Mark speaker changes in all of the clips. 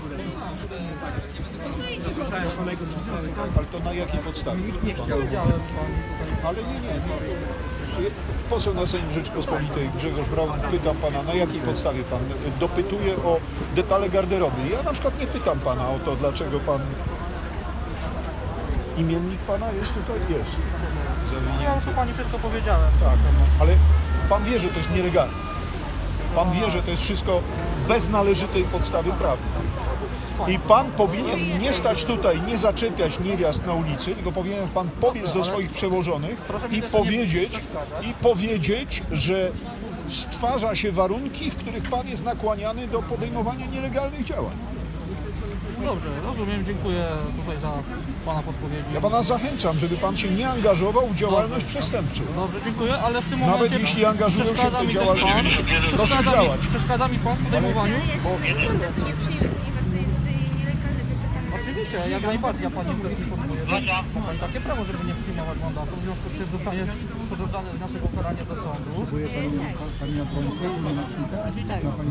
Speaker 1: Ale to na jakiej podstawie? Ale nie. Poseł na Sejm Rzeczypospolitej Grzegorz Braun, pytam pana, na jakiej podstawie pan dopytuje o detale garderoby. Ja na przykład nie pytam pana o to, dlaczego pan... Imiennik pana jest tutaj? Jest.
Speaker 2: Ja już pani wszystko powiedziałem.
Speaker 1: Tak, ale pan wie, że to jest nielegalne. Pan wie, że to jest wszystko bez należytej podstawy prawnej. I pan powinien nie stać tutaj, nie zaczepiać niewiast na ulicy, tylko powinien pan pobiec do swoich przełożonych i powiedzieć, że stwarza się warunki, w których pan jest nakłaniany do podejmowania nielegalnych działań.
Speaker 2: Dobrze, rozumiem, dziękuję tutaj za pana podpowiedzi.
Speaker 1: Ja pana zachęcam, żeby pan się nie angażował w działalność przestępczą.
Speaker 2: Dobrze, dziękuję, ale w tym momencie...
Speaker 1: Nawet jeśli angażują się w tej działalności, proszę działać.
Speaker 2: Przeszkadza mi pan w podejmowaniu? Oczywiście, jak najbardziej, ja pani informuję, że ma pani takie prawo, żeby nie przyjmować mandatu, w związku z tym zostanie sporządzany wniosek o karanie do sądu.
Speaker 3: Potrzebuje pani na policję i nocnika? Tak. Ma pani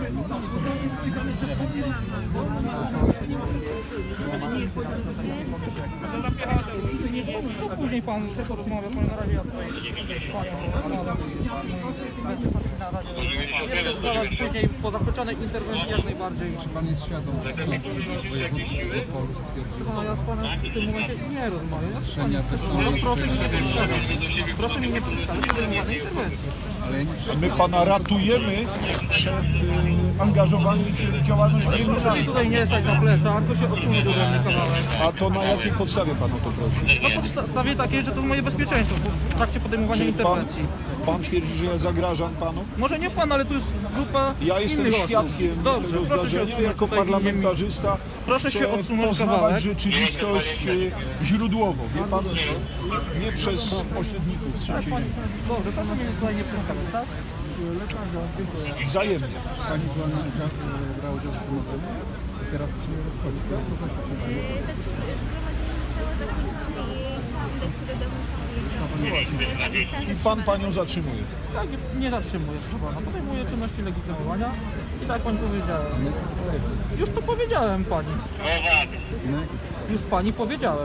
Speaker 2: to później pan się porozmawia, bo na razie ja tutaj panią na razie nie przeszkadzać, później po zakończonej interwencji jak najbardziej.
Speaker 3: Czy pan jest świadom, że sąd wojewódzki w Opolu stwierdził
Speaker 2: Ja z panem w tym momencie nie rozmawiam.
Speaker 3: ostrzenia bez
Speaker 2: No proszę mi nie przeszkadzać. Proszę mi nie przeszkadzać w podejmowanej interwencji.
Speaker 3: ale ja nie
Speaker 1: My pana ratujemy przed angażowaniem się w działalność
Speaker 2: Proszę
Speaker 1: kryminalną.
Speaker 2: tutaj nie stać na plecach, tylko się odsunąć ode mnie kawałek.
Speaker 1: A to na jakiej podstawie pan o to prosi?
Speaker 2: Na podstawie takiej, że to moje bezpieczeństwo w trakcie podejmowania
Speaker 1: Czyli
Speaker 2: interwencji.
Speaker 1: pan twierdzi, że ja zagrażam panu?
Speaker 2: Może nie pan, ale tu jest grupa
Speaker 1: Ja jestem
Speaker 2: innych osób.
Speaker 1: świadkiem
Speaker 2: Dobrze,
Speaker 1: tego
Speaker 2: proszę się
Speaker 1: zdarzenia.
Speaker 2: odsunąć
Speaker 1: Jako
Speaker 2: tutaj
Speaker 1: parlamentarzysta
Speaker 2: Proszę się
Speaker 1: chcę
Speaker 2: odsunąć
Speaker 1: poznawać
Speaker 2: kawałek.
Speaker 1: rzeczywistość źródłowo. Wie pan, nie przez pośredników z trzeciej linii.
Speaker 2: Dobrze, proszę mnie tutaj nie przeszkadzać, tak?
Speaker 1: Wzajemnie.
Speaker 3: pani była na udział, brała udział w zgromadzeniu, teraz się rozchodzi. Tak? Można się przeżyć.
Speaker 1: I pan panią zatrzymuje.
Speaker 2: Tak, nie zatrzymuję, proszę pana. Podejmuję czynności legitymowania i tak jak pani powiedziałem. Już to powiedziałem pani. Już pani powiedziałem.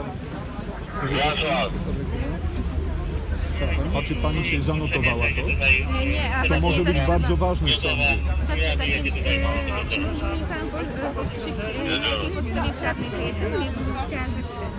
Speaker 1: A czy pani się zanotowała to?
Speaker 4: Nie, a
Speaker 1: To
Speaker 4: właśnie
Speaker 1: może być
Speaker 4: zadawałam.
Speaker 1: bardzo ważne w sądzie.
Speaker 4: Dobrze, tak więc czy mógłby mi pan powiedzieć, na jakiej podstawie prawnej to jest? Ja chciałam zapisać.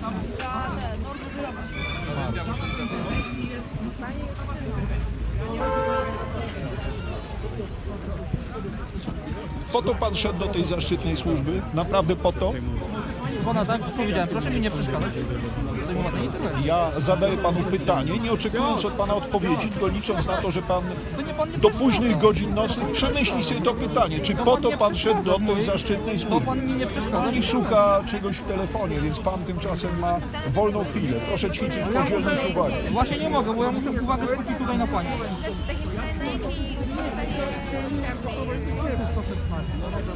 Speaker 1: Po to pan szedł do tej zaszczytnej służby? Naprawdę po to?
Speaker 2: Pana, tak już powiedziałem, proszę mi nie przeszkadzać w podejmowanej interwencji.
Speaker 1: Ja zadaję panu pytanie, nie oczekując od pana odpowiedzi, tylko licząc na to, że pan
Speaker 2: To nie pan nie
Speaker 1: do
Speaker 2: przeszkadza.
Speaker 1: późnych godzin nocnych przemyśli sobie to pytanie, czy po to pan szedł do tej zaszczytnej
Speaker 2: To
Speaker 1: służby.
Speaker 2: pan mi nie przeszkadza.
Speaker 1: Pani szuka czegoś w telefonie, więc pan tymczasem ma wolną chwilę. Proszę ćwiczyć podzielność uwagi.
Speaker 2: Właśnie nie mogę, bo ja muszę uwagę skupić tutaj na pani.
Speaker 4: Tak więc na jakiej podstawie prawnej?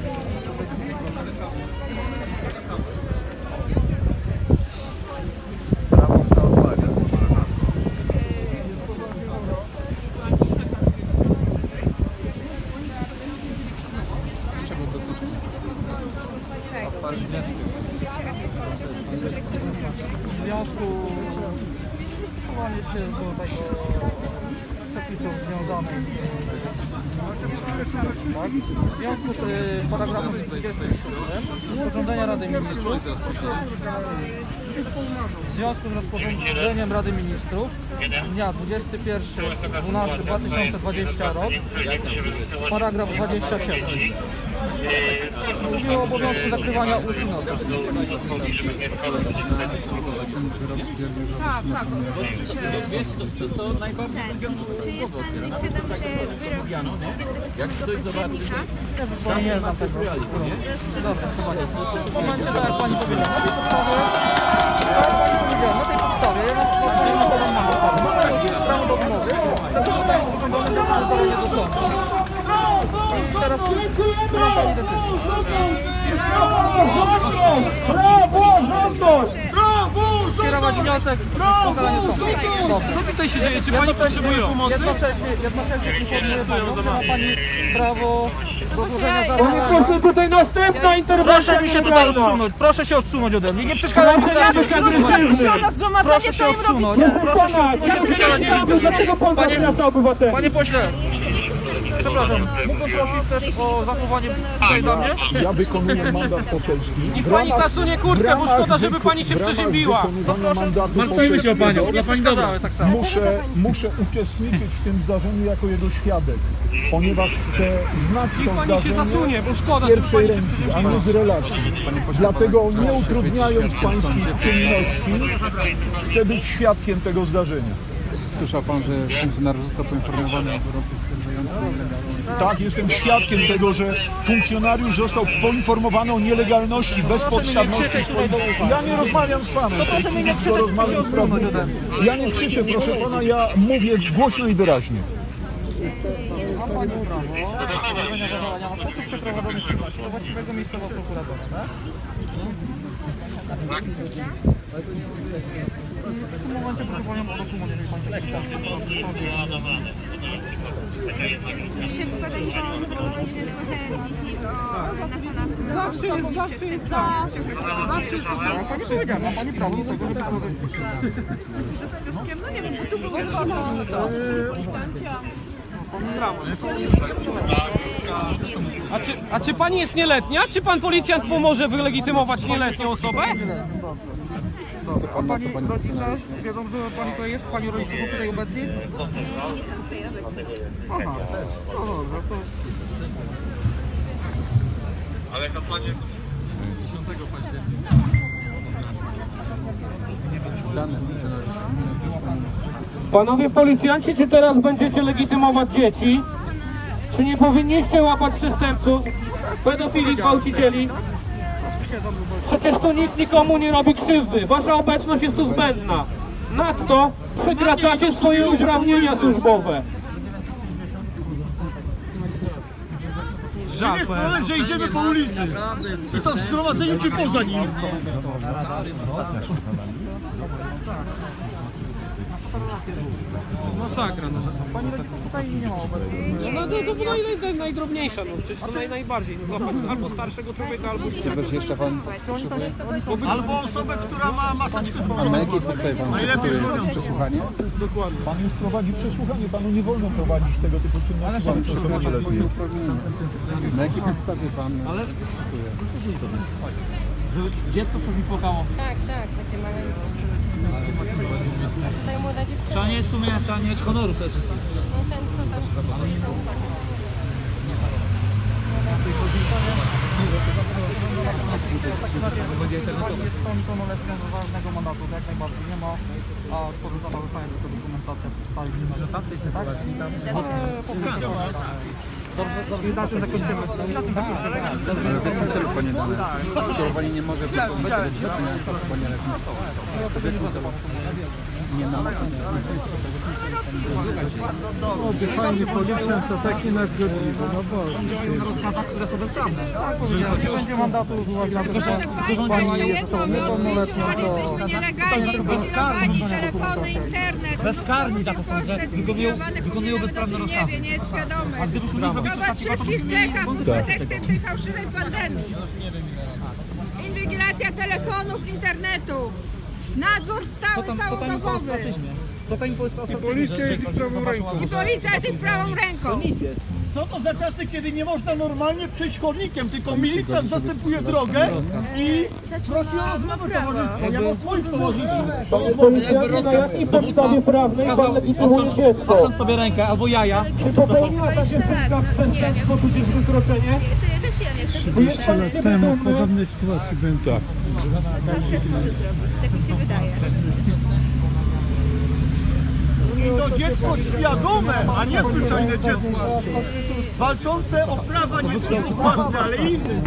Speaker 3: Czego dotyczy?
Speaker 2: W związku z stosowaniem się do tego przepisów związanych w związku z paragrafem 27 rozporządzenia Rady Ministrów w związku z rozporządzeniem Rady Ministrów z dnia 21.12.2020 rok paragraf 27 mówi o obowiązku zakrywania ust i nosa.
Speaker 3: Ten wyrok stwierdził, że
Speaker 4: Czy jest pan świadom, że wyrok sądu z 24 października?
Speaker 2: Ja nie znam tego. Dobra, chyba nie. W momencie, tak jak pani powiedziała, na tej podstawie, ja na podam mandat. Prawo do odmowy, to zostaje sporządzone zabranie do sądu. I teraz słucham pani decyzji.
Speaker 5: Praworządność!
Speaker 2: Kierować składać wniosek o ukaranie sądu.
Speaker 5: Co tutaj się dzieje? Czy pani potrzebuje pomocy?
Speaker 2: Jednocześnie informuję panią, że ma pani prawo do złożenia
Speaker 5: Panie
Speaker 2: zażalenia.
Speaker 5: pośle, tutaj następna interwencja.
Speaker 2: Proszę mi się tutaj odsunąć, proszę się odsunąć ode mnie, nie przeszkadzaj mi
Speaker 5: Proszę nie być agresywny.
Speaker 2: Proszę się odsunąć, proszę się odsunąć, nie przeszkadzaj mi.
Speaker 5: Dlaczego pan zaprasza obywateli?
Speaker 2: Panie pośle, przepraszam, mógłbym prosić też o zachowanie tutaj dla mnie?
Speaker 1: Ja wykonuję mandat poselski.
Speaker 5: Niech pani zasunie kurtkę, bo szkoda, żeby pani się przeziębiła.
Speaker 1: Martwimy się o panią.
Speaker 2: Nie przeszkadzałem tak samo.
Speaker 1: Muszę uczestniczyć w tym zdarzeniu jako jego świadek, ponieważ chcę znać
Speaker 5: Niech
Speaker 1: to
Speaker 5: pani się
Speaker 1: zdarzenie
Speaker 5: zasunie, bo szkoda,
Speaker 1: z
Speaker 5: żeby
Speaker 1: pierwszej
Speaker 5: pani się
Speaker 1: ręki, a
Speaker 5: przeziębiła.
Speaker 1: nie z relacji. Dlatego nie utrudniając pańskich czynności, chcę być świadkiem tego zdarzenia.
Speaker 3: Słyszał pan, że funkcjonariusz został poinformowany o wyroku stwierdzającym nielegalność?
Speaker 1: Tak, jestem świadkiem tego, że funkcjonariusz został poinformowany o nielegalności, bezpodstawności swoich... Ja nie rozmawiam z panem.
Speaker 2: proszę mnie nie krzyczeć,
Speaker 1: Rozmawiam
Speaker 2: tylko się
Speaker 1: z prawdą.
Speaker 2: odsunąć ode mnie.
Speaker 1: Ja nie krzyczę, proszę pana, ja mówię głośno i wyraźnie.
Speaker 2: Mam pani prawo do złożenia zażalenia na sposób przeprowadzony czynności do właściwego miejscowo prokuratora, tak? W tym momencie proszę panią o dokument, jeżeli pani tak chce.
Speaker 4: Jeszcze podać, że właśnie słyszałem dzisiaj na pana
Speaker 5: Zawsze jest tak. Zawsze jest to samo.
Speaker 2: Pani powiedziała, ma pani prawo do tego, żeby powiedzieć.
Speaker 4: No nie wiem, bo tu było zatrzymane to.
Speaker 5: A czy pani jest nieletnia? Czy pan policjant pomoże wylegitymować nieletnią osobę?
Speaker 2: A pani rodzice wiedzą, że pani tutaj jest? Pani rodzice są tutaj obecni?
Speaker 4: Nie są tutaj obecni.
Speaker 2: Aha, no dobrze, to...
Speaker 3: Dane funkcjonariusz.
Speaker 5: Panowie policjanci, czy teraz będziecie legitymować dzieci? Czy nie powinniście łapać przestępców, pedofili, gwałcicieli? Przecież tu nikt nikomu nie robi krzywdy. Wasza obecność jest tu zbędna. Nadto przekraczacie swoje uprawnienia służbowe.
Speaker 6: Nie jest problem, że idziemy po ulicy. I to w zgromadzeniu czy poza nim.
Speaker 5: Masakra, no.
Speaker 2: Pani rodzice tutaj nie ma obecności.
Speaker 5: No jest najdrobniejsza, no. Przecież to najbardziej. No, złapać albo starszego człowieka, albo dziecka.
Speaker 3: Coś jeszcze pan potrzebuje?
Speaker 6: Albo osobę, która ma maseczkę
Speaker 3: A na jakiej podstawie pan przygotuje jakieś przesłuchanie?
Speaker 5: Dokładnie.
Speaker 1: Pan już prowadzi przesłuchanie, panu nie wolno prowadzić tego typu czynności.
Speaker 3: Pan
Speaker 1: Pan proszę
Speaker 3: przekracza
Speaker 1: nieletni.
Speaker 3: swoje uprawnienia. Na jakiej podstawie pan przesłuchuje?
Speaker 6: Dziecko przez mi płakało.
Speaker 7: Tak, takie małe. Tutaj młoda dziewczyna,
Speaker 6: Trzeba nie mieć honoru przede wszystkim.
Speaker 7: no ten co tam stoi, to
Speaker 2: Jest są pełnoletnią z ważnego mandatu, to jak najbardziej nie ma, a sporządzona zostanie tylko dokumentacja z stałej czynności, tak? Dobrze, i na tym zakończymy.
Speaker 3: Ale w jakim celu panie dane? Skoro pani nie może wystąpić do dziewczyny w sposób nieletni. W jakim celu? Nie ma.
Speaker 6: Fajnie, policjant to taki nasz godliwy. No bo...
Speaker 2: Rozkazach, które są bezprawne. Nie będzie mandatu z uwagi na to, że pani jest osobą niepełnoletnią, to...
Speaker 8: Nielegalnie wykonywani telefony, internet.
Speaker 6: Bezkarni za to są, że wykonują bezprawne rozkazy.
Speaker 8: Nie jest świadomy. To was wszystkich czeka pod pretekstem tej fałszywej pandemii. Inwigilacja telefonów, internetu. Nadzór stały, całodobowy.
Speaker 2: Co to im jest
Speaker 1: Policja jest ich prawą ręką.
Speaker 8: I policja jest ich prawą ręką.
Speaker 6: Co to za czasy, kiedy nie można normalnie przejść chodnikiem, tylko milicjant zastępuje drogę i prosi o rozmowę towarzyską. Ja mam swoich towarzyszów.
Speaker 5: Policjanci, na jakiej podstawie prawnej pan legitymuje dziecko?
Speaker 6: sobie rękę albo jaja.
Speaker 5: Czy popełniła ta dziewczynka przestępstwo czy też wykroczenie?
Speaker 4: To ja też wiem, jak to
Speaker 5: Jest pan świadomy?
Speaker 1: podobnej sytuacji byłem tak.
Speaker 4: może zrobić. Tak mi się wydaje.
Speaker 6: I to dziecko świadome, a nie zwyczajne dziecko. Walczące o prawa nie tylko własne, ale i innych.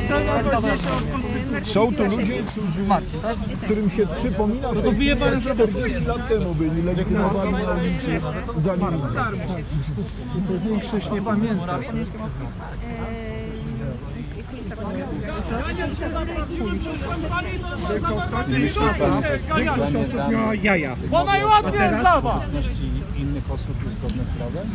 Speaker 1: Są to ludzie, którym się przypomina, że 40 lat temu byli legitymowani na ulicy za nimi.
Speaker 6: Większość nie pamięta.
Speaker 3: Większość osób miała jaja.
Speaker 5: Bo najłatwiej jest dla was!
Speaker 3: Obecności innych osób jest zgodne z prawem?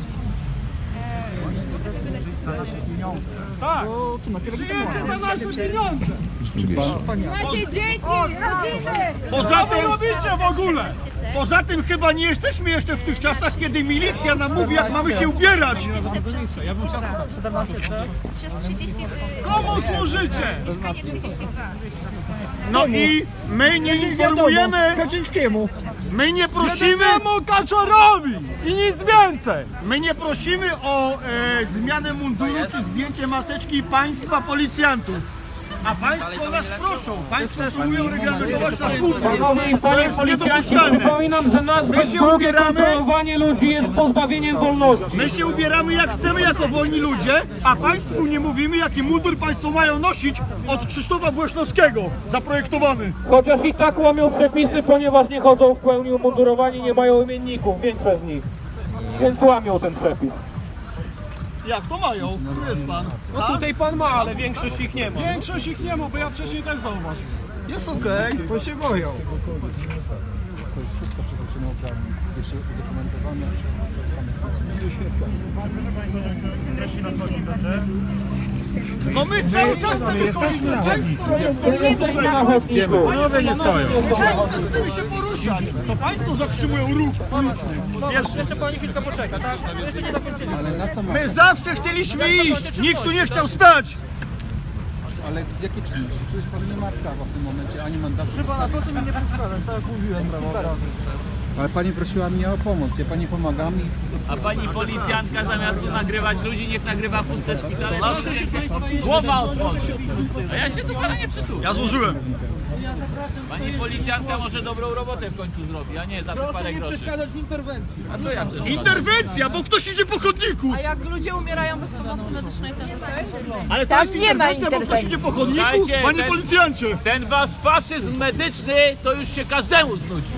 Speaker 5: Tak! Przyjęcie za nasze pieniądze!
Speaker 8: Macie dzieci, rodziny.
Speaker 6: Poza tym,
Speaker 5: robicie w ogóle?
Speaker 6: poza tym chyba nie jesteśmy jeszcze w tych czasach, kiedy milicja nam mówi, jak mamy się ubierać.
Speaker 4: Przez 30...
Speaker 5: Komu służycie?
Speaker 4: Mieszkanie 32.
Speaker 6: No i my nie informujemy,
Speaker 2: Kaczyńskiemu.
Speaker 6: my nie prosimy,
Speaker 5: Jedynemu Kaczorowi! I nic więcej!
Speaker 6: my nie prosimy o zmianę munduru czy zdjęcie maseczki państwa policjantów. A państwo nas proszą, państwo próbują reglamentować nasz mundur
Speaker 5: Panowie i
Speaker 6: To
Speaker 5: panie
Speaker 6: jest
Speaker 5: policjanci,
Speaker 6: niedopuszczalne.
Speaker 5: przypominam, że nazwę
Speaker 6: się
Speaker 5: drugie
Speaker 6: ubieramy.
Speaker 5: kontrolowanie ludzi jest pozbawieniem wolności.
Speaker 6: My się ubieramy jak chcemy jako wolni ludzie, a państwu nie mówimy, jaki mundur państwo mają nosić od Krzysztofa Błeśnowskiego zaprojektowany.
Speaker 5: Chociaż i tak łamią przepisy, ponieważ nie chodzą w pełni umundurowani, nie mają imienników, większość z nich. Więc łamią ten przepis.
Speaker 6: Jak to mają? Tu jest pan.
Speaker 5: No tutaj pan ma, ale większość ich nie ma. Większość ich nie ma, bo ja wcześniej też zauważyłem.
Speaker 6: Jest okej.
Speaker 2: Bo się boją.
Speaker 3: To jest wszystko przekroczeniowo prawne. Jest udokumentowane
Speaker 6: No my cały czas to wychodzimy. Państwo robią
Speaker 5: Jesteśmy na chodniku.
Speaker 2: Panowie nie stoją.
Speaker 6: Państwo chcemy się poruszać. To państwo zatrzymują ruch.
Speaker 5: Jeszcze pani chwilkę poczeka, tak? Jeszcze nie zakończyli.
Speaker 3: Ale na co ma?
Speaker 6: My zawsze chcieliśmy iść. Nikt tu nie chciał stać.
Speaker 3: Ale z jakiej czynności? Przecież pan nie ma prawa w tym momencie, ani mandatu.
Speaker 2: Proszę mi nie przeszkadzać, tak jak mówiłem.
Speaker 3: Ale pani prosiła mnie o pomoc, ja pani pomagam i
Speaker 9: A pani policjantka zamiast tu nagrywać ludzi, niech nagrywa puste szpitale. Głowa otworzy. A ja się tu pana nie przysłucham.
Speaker 6: Ja złożyłem.
Speaker 9: Pani policjantka może dobrą robotę w końcu zrobi, a nie za parę groszy.
Speaker 5: w interwencji.
Speaker 9: A co ja przeszkadzam?
Speaker 6: Interwencja, bo ktoś idzie po chodniku.
Speaker 7: A jak ludzie umierają bez pomocy medycznej, to jest okej?
Speaker 6: Ale to jest interwencja, bo ktoś idzie po chodniku.
Speaker 9: Słuchajcie,
Speaker 6: Panie
Speaker 9: ten-
Speaker 6: policjancie.
Speaker 9: Ten wasz faszyzm medyczny to już się każdemu znudził.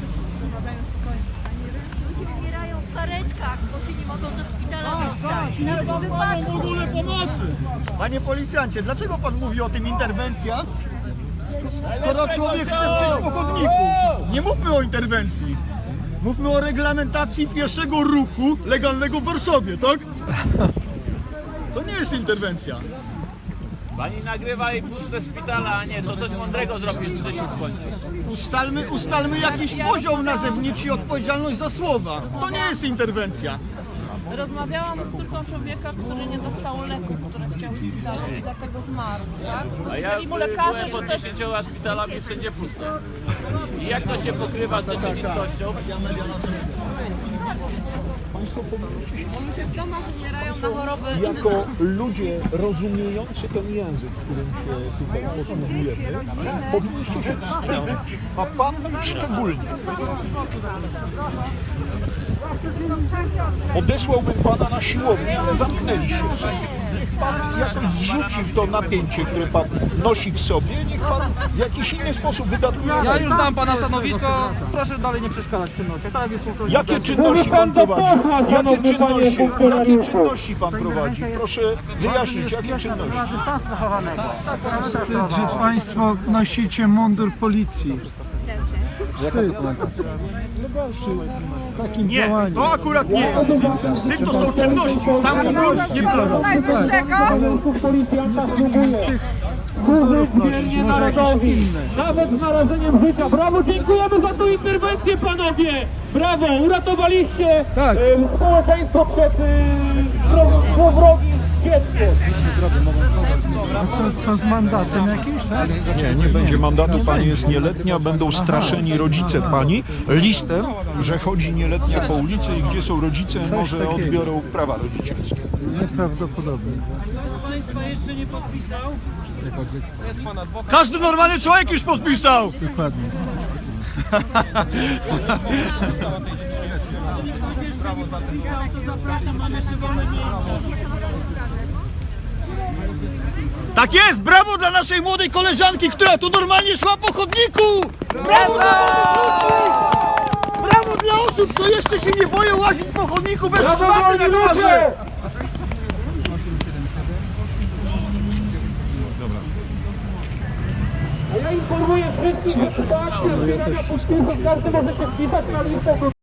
Speaker 4: Umierają w karetkach, bo się nie mogą do szpitala dostać.
Speaker 5: W ogóle pomocy!
Speaker 6: Panie policjancie, dlaczego pan mówi o tym interwencja? Skoro człowiek chce przejść po chodniku. Nie mówmy o interwencji. Mówmy o reglamentacji pieszego ruchu legalnego w Warszawie, tak? To nie jest interwencja.
Speaker 9: Pani nagrywa i puste szpitala, a nie, to coś mądrego zrobisz w życiu w końcu.
Speaker 6: Ustalmy jakiś poziom nazewniczy i odpowiedzialność za słowa. To nie jest interwencja.
Speaker 7: Rozmawiałam z córką człowieka, który nie dostał leków, które chciał w szpitalu i dlatego zmarł, tak?
Speaker 9: A ja
Speaker 7: Powiedzieli mu lekarze,
Speaker 9: byłem
Speaker 7: że
Speaker 9: pod
Speaker 7: to jest
Speaker 9: 10 szpitalami wszędzie pusto. I jak to się pokrywa z rzeczywistością?
Speaker 7: ludzie w domach umierają na choroby inne.
Speaker 1: Jako ludzie rozumiejący ten język, którym się tutaj posługujemy, powinniście się wstrzymać, a pan szczególnie. Odesłałbym pana na siłownię, ale zamknęliście się. Niech pan jakoś zrzuci to napięcie, które pan nosi w sobie, niech pan w jakiś inny sposób wydatuje.
Speaker 2: Ja już dam pana stanowisko, proszę dalej nie przeszkadzać w czynnościach. Tak jak jest to.
Speaker 1: Jakie czynności pan prowadzi? Jakie czynności pan prowadzi? Proszę wyjaśnić, jakie czynności?
Speaker 2: Wstyd, że państwo nosicie mundur policji.
Speaker 3: jaka dokumentacja?
Speaker 2: Takim
Speaker 6: Nie,
Speaker 2: działaniem.
Speaker 6: to akurat nie jest. Z tym to są czynności. Sam mundur nie ma.
Speaker 5: Policjanta próbuje służyć wiernie narodowi, nawet z narażeniem życia. Brawo, dziękujemy za tą interwencję, panowie! Brawo, uratowaliście społeczeństwo przed złowrogim dzieckiem.
Speaker 2: Co z mandatem jakimś, tak?
Speaker 1: Nie będzie mandatu, pani jest nieletnia, będą straszeni rodzice pani listem, że chodzi nieletnia po ulicy i gdzie są rodzice, może odbiorą prawa rodzicielskie.
Speaker 2: Nieprawdopodobne.
Speaker 5: Ktoś z państwa jeszcze nie podpisał? Jest pan adwokat.
Speaker 6: Każdy normalny człowiek już podpisał.
Speaker 2: Dokładnie.
Speaker 5: Zapraszam, mam jeszcze wolne miejsce.
Speaker 6: Tak jest, brawo dla naszej młodej koleżanki, która tu normalnie szła po chodniku! Brawo dla ludzi! Brawo dla osób, które jeszcze się nie boją łazić po chodniku bez szmaty na twarzy!
Speaker 5: A ja informuję wszystkich, że sytuacja zbierania podpisów, każdy może się wpisać na listę.